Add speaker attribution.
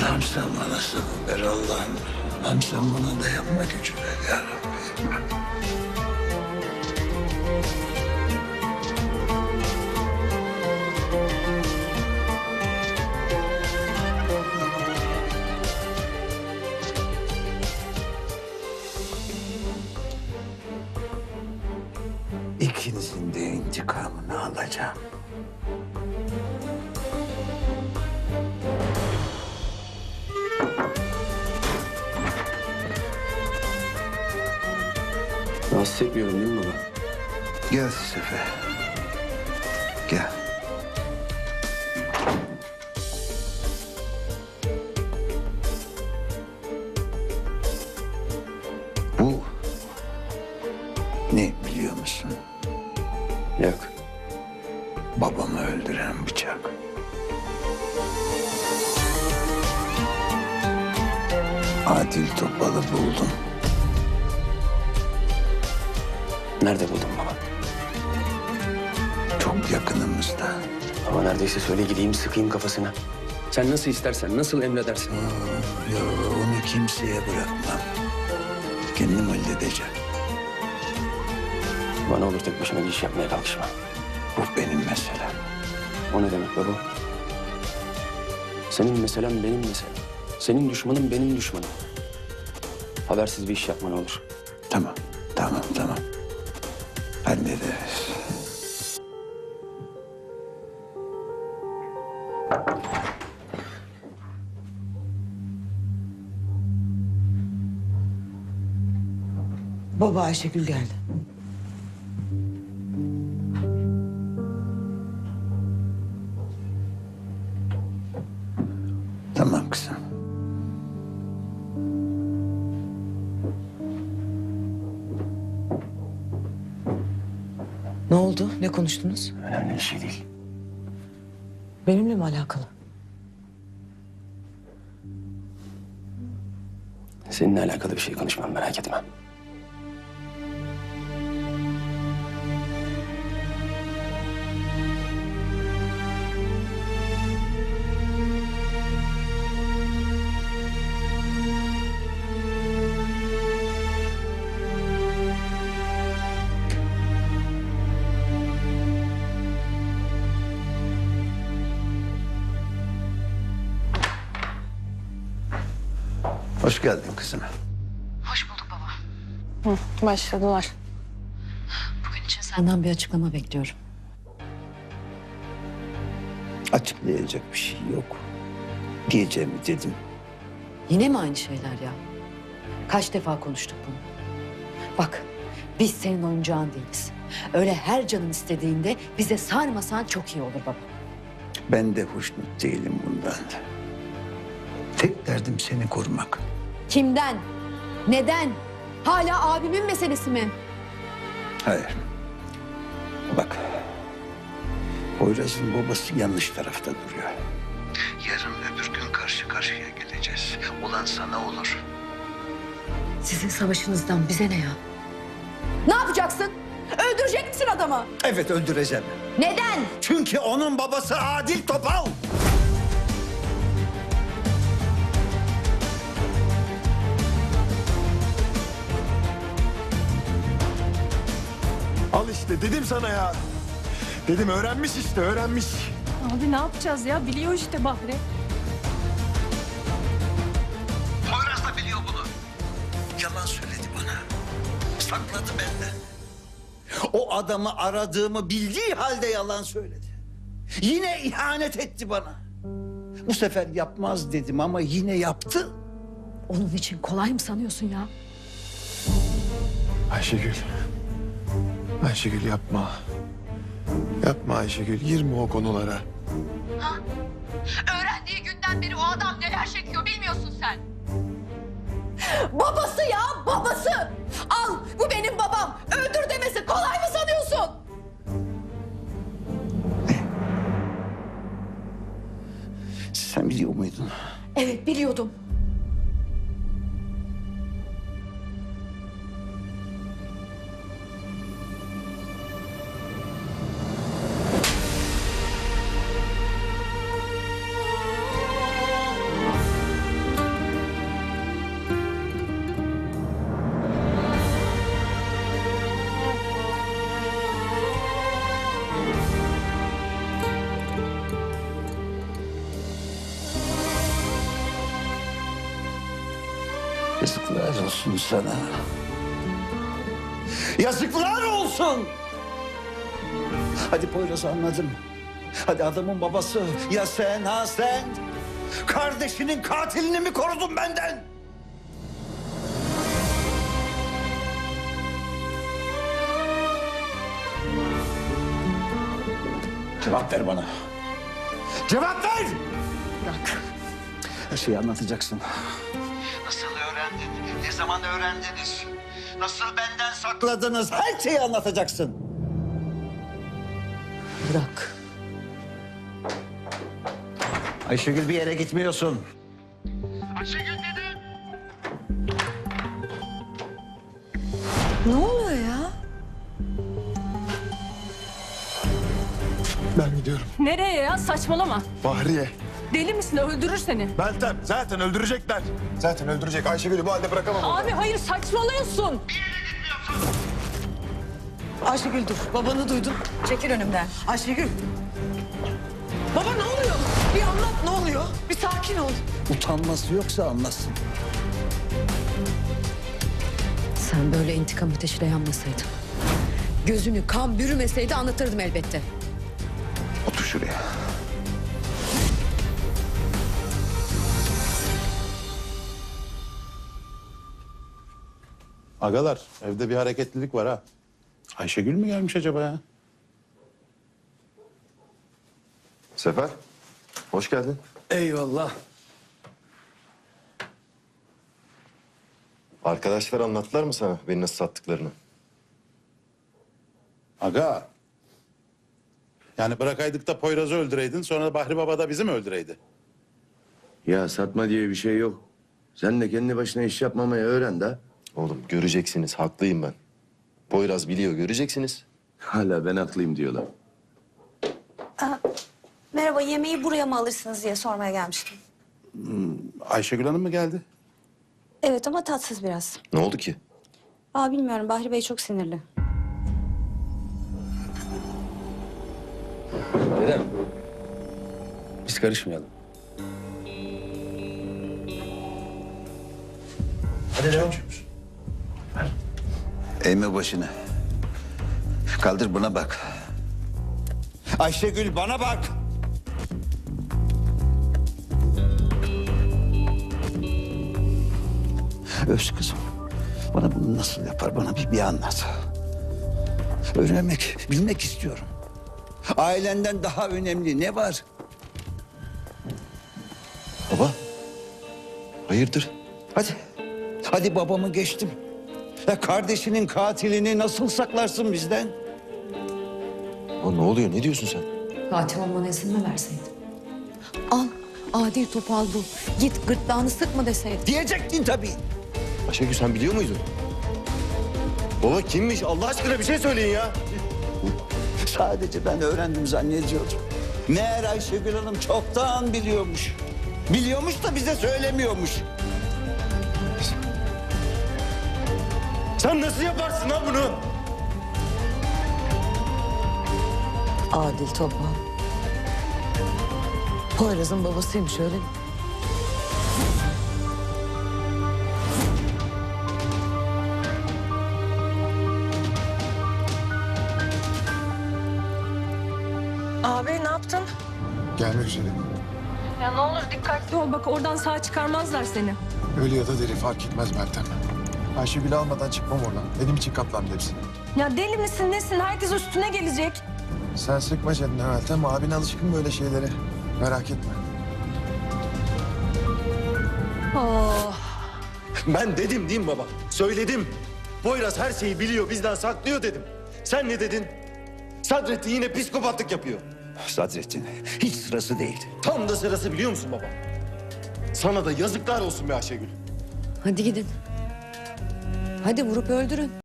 Speaker 1: Allah'ım sen bana sabır ver Allah'ım. Allah'ım sen bana dayanma gücü ver ya Rabbi. İkinizin de intikamını alacağım.
Speaker 2: Rahatsız etmiyorum değil mi baba?
Speaker 1: Gel Sefer. Gel. Bu ne biliyor musun?
Speaker 2: Yok.
Speaker 1: Babamı öldüren bıçak. Adil Topal'ı buldum.
Speaker 2: Nerede buldun baba?
Speaker 1: Çok yakınımızda.
Speaker 2: Ama neredeyse söyle gideyim sıkayım kafasına. Sen nasıl istersen, nasıl emredersen.
Speaker 1: Yo, onu kimseye bırakmam. Kendim halledeceğim.
Speaker 2: Bana olur tek başına bir iş yapmaya kalkışma.
Speaker 1: Bu benim meselem.
Speaker 2: O ne demek baba? Senin meselen benim meselem. Senin düşmanın benim düşmanım. Habersiz bir iş yapma ne olur.
Speaker 1: Tamam, tamam. Hallederiz.
Speaker 3: Baba Ayşegül geldi.
Speaker 1: Tamam kızım.
Speaker 3: Ne oldu? Ne konuştunuz?
Speaker 2: Önemli bir şey değil.
Speaker 3: Benimle mi alakalı?
Speaker 2: Seninle alakalı bir şey konuşmam merak etme.
Speaker 1: Hoş geldin kızım.
Speaker 4: Hoş bulduk baba.
Speaker 5: Başladılar.
Speaker 4: Bugün için senden bir açıklama bekliyorum.
Speaker 1: Açıklayacak bir şey yok. Diyeceğimi dedim.
Speaker 4: Yine mi aynı şeyler ya? Kaç defa konuştuk bunu? Bak, biz senin oyuncağın değiliz. Öyle her canın istediğinde bize sarmasan çok iyi olur baba.
Speaker 1: Ben de hoşnut değilim bundan. Tek derdim seni korumak.
Speaker 4: Kimden? Neden? Hala abimin meselesi mi?
Speaker 1: Hayır. Bak. Poyraz'ın babası yanlış tarafta duruyor. Yarın öbür gün karşı karşıya geleceğiz. Olan sana olur.
Speaker 4: Sizin savaşınızdan bize ne ya? Ne yapacaksın? Öldürecek misin adamı?
Speaker 1: Evet öldüreceğim.
Speaker 4: Neden?
Speaker 1: Çünkü onun babası Adil Topal.
Speaker 6: Al işte dedim sana ya. Dedim öğrenmiş işte öğrenmiş.
Speaker 5: Abi ne yapacağız ya? Biliyor işte Bahri.
Speaker 1: Poyraz da biliyor bunu. Yalan söyledi bana. Sakladı benden. O adamı aradığımı bildiği halde yalan söyledi. Yine ihanet etti bana. Bu sefer yapmaz dedim ama yine yaptı.
Speaker 4: Onun için kolay mı sanıyorsun ya?
Speaker 6: Ayşegül. Ayşegül yapma. Yapma Ayşegül girme o konulara.
Speaker 4: Öğrendiği günden beri o adam neler çekiyor bilmiyorsun sen. Babası ya babası. Al bu benim babam. Öldür demesi kolay mı sanıyorsun?
Speaker 1: Sen biliyor muydun?
Speaker 4: Evet biliyordum.
Speaker 1: Yazıklar olsun sana. Yazıklar olsun. Hadi Poyraz'ı anladım. Hadi adamın babası. Ya sen ha sen? Kardeşinin katilini mi korudun benden? Cevap ver bana. Cevap ver!
Speaker 3: Bırak.
Speaker 1: Her şeyi anlatacaksın. Nasıl öğrendin? Ne zaman öğrendiniz? Nasıl benden sakladınız? Her şeyi anlatacaksın.
Speaker 3: Bırak.
Speaker 1: Ayşegül bir yere gitmiyorsun.
Speaker 3: Ne oluyor ya?
Speaker 6: Ben gidiyorum.
Speaker 5: Nereye ya? Saçmalama.
Speaker 6: Bahriye.
Speaker 5: Deli misin? Öldürür seni.
Speaker 6: Meltem zaten öldürecekler. Zaten öldürecek. Ayşegül'ü bu halde bırakamam. orada.
Speaker 5: Abi hayır saçmalıyorsun.
Speaker 3: Ayşegül dur. Babanı duydum.
Speaker 4: Çekil önümden.
Speaker 3: Ayşegül. Baba ne oluyor? Bir anlat ne oluyor? Bir sakin ol.
Speaker 1: Utanması yoksa anlasın.
Speaker 4: Sen böyle intikam ateşiyle yanmasaydın. Gözünü kan bürümeseydi anlatırdım elbette.
Speaker 1: Otur şuraya.
Speaker 7: Agalar, evde bir hareketlilik var ha. Ayşegül mü gelmiş acaba ya?
Speaker 8: Sefer, hoş geldin.
Speaker 1: Eyvallah.
Speaker 8: Arkadaşlar anlattılar mı sana beni nasıl sattıklarını?
Speaker 7: Aga. Yani bırakaydık da Poyraz'ı öldüreydin, sonra Bahri Baba da bizi mi öldüreydi?
Speaker 9: Ya satma diye bir şey yok. Sen de kendi başına iş yapmamayı öğren de.
Speaker 8: Oğlum göreceksiniz, haklıyım ben. Poyraz biliyor, göreceksiniz.
Speaker 9: Hala ben haklıyım diyorlar.
Speaker 10: Merhaba, yemeği buraya mı alırsınız diye sormaya gelmiştim.
Speaker 7: Ayşegül Hanım mı geldi?
Speaker 10: Evet ama tatsız biraz.
Speaker 8: Ne oldu ki?
Speaker 10: Bilmiyorum, Bahri Bey çok sinirli.
Speaker 2: Neden? Biz karışmayalım.
Speaker 1: Hadi devam. Eğme başını. Kaldır buna bak. Ayşegül bana bak. Öz kızım. Bana bunu nasıl yapar? Bana bir anlat. Öğrenmek, bilmek istiyorum. Ailenden daha önemli ne var?
Speaker 8: Baba, hayırdır?
Speaker 1: Hadi. Hadi babamı geçtim. Ya kardeşinin katilini nasıl saklarsın bizden?
Speaker 8: Baba ne oluyor, ne diyorsun sen?
Speaker 4: Katil olmana izin mi verseydin? Al, adil topal bu. Git gırtlağını sıkma deseydin.
Speaker 1: Diyecektin tabii.
Speaker 8: Ayşegül sen biliyor muydun? Baba kimmiş? Allah aşkına bir şey söyleyin ya.
Speaker 1: Sadece ben öğrendim zannediyordum. Meğer Ayşegül Hanım çoktan biliyormuş. Biliyormuş da bize söylemiyormuş.
Speaker 8: Sen nasıl yaparsın lan bunu?
Speaker 3: Adil Topal. Poyraz'ın babasıymış öyle mi?
Speaker 5: Abi ne yaptın?
Speaker 6: Gelmek üzere.
Speaker 5: Ya ne olur dikkatli ol. Bak oradan sağ çıkarmazlar seni.
Speaker 6: Ölü ya da diri fark etmez Meltem. Ayşegül'ü almadan çıkmam oradan. Benim için katlandı hepsi.
Speaker 5: Ya deli misin nesin? Herkes üstüne gelecek.
Speaker 6: Sen sıkma canını Meltem. Abin alışkın böyle şeylere. Merak etme.
Speaker 5: Oh.
Speaker 8: Ben dedim değil mi baba? Söyledim. Poyraz her şeyi biliyor, bizden saklıyor dedim. Sen ne dedin? Sadrettin yine psikopatlık yapıyor.
Speaker 1: Sadrettin hiç sırası değil.
Speaker 8: Tam da sırası biliyor musun baba? Sana da yazıklar olsun be Ayşegül.
Speaker 4: Hadi gidin. Hadi vurup öldürün.